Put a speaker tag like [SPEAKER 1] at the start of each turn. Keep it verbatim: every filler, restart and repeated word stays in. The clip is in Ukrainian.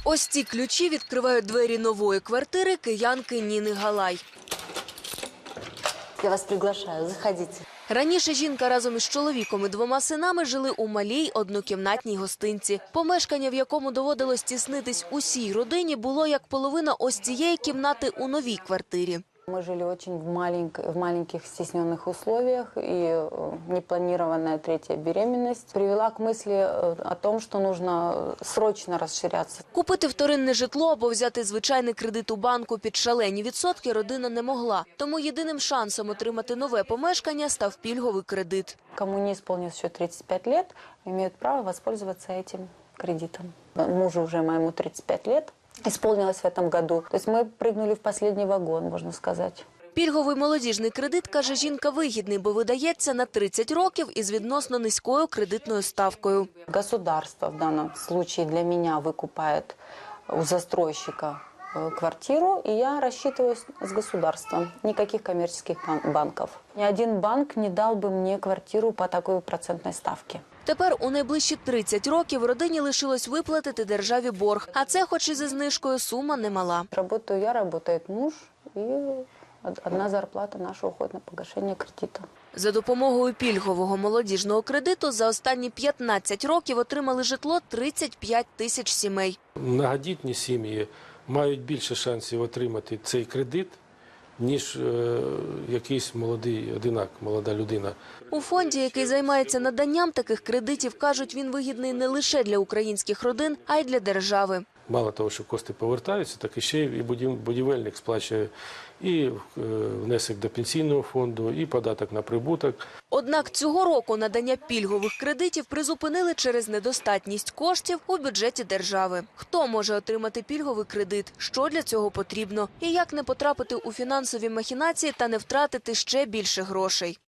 [SPEAKER 1] Ось ці ключі відкривають двері нової квартири киянки Ніни Галай.
[SPEAKER 2] Я вас приглашаю, заходите.
[SPEAKER 1] Раніше жінка разом із чоловіком і двома синами жили у малій однокімнатній гостинці. Помешкання, в якому доводилось тіснитись усій родині, було як половина ось цієї кімнати у новій квартирі.
[SPEAKER 2] Мы жили очень в, маленьких, в маленьких стесненных условиях, и непланированная третья беременность привела к мысли о том, что нужно срочно расширяться.
[SPEAKER 1] Купити вторинне житло або взяти звичайний кредит у банку під шалені відсотки родина не могла. Тому єдиним шансом отримати нове помешкання став пільговий кредит.
[SPEAKER 2] Кому не исполнилось еще тридцать пять лет, имеют право воспользоваться этим кредитом. Мужу уже моему тридцать пять лет. Исполнилось в этом году. То есть мы прыгнули в последний вагон, можно сказать.
[SPEAKER 1] Пільговий молодіжний кредит, каже жінка, вигідний, бо видається на тридцять років із відносно низькою кредитною ставкою.
[SPEAKER 2] Государство в данном случае для меня выкупает у застройщика квартиру, и я рассчитываюсь с государством. Никаких коммерческих банков. Ни один банк не дал бы мне квартиру по такой процентной ставке.
[SPEAKER 1] Тепер у найближчі тридцять років родині лишилось виплатити державі борг. А це, хоч і зі знижкою, сума немала.
[SPEAKER 2] Работаю я, работает муж, и одна зарплата наша уходит на погашение кредита.
[SPEAKER 1] За допомогою пільгового молодіжного кредиту за останні п'ятнадцять років отримали житло тридцять п'ять тисяч сімей.
[SPEAKER 3] Многодітні сім'ї мають більше шансів отримати цей кредит, ніж е, якийсь молодий одинак, молода людина.
[SPEAKER 1] У фонді, який займається наданням таких кредитів, кажуть, він вигідний не лише для українських родин, а й для держави.
[SPEAKER 3] Мало того, що кошти повертаються, так і ще і будівельник сплачує і внесок до пенсійного фонду, і податок на прибуток.
[SPEAKER 1] Однак цього року надання пільгових кредитів призупинили через недостатність коштів у бюджеті держави. Хто може отримати пільговий кредит, що для цього потрібно і як не потрапити у фінансові махінації та не втратити ще більше грошей?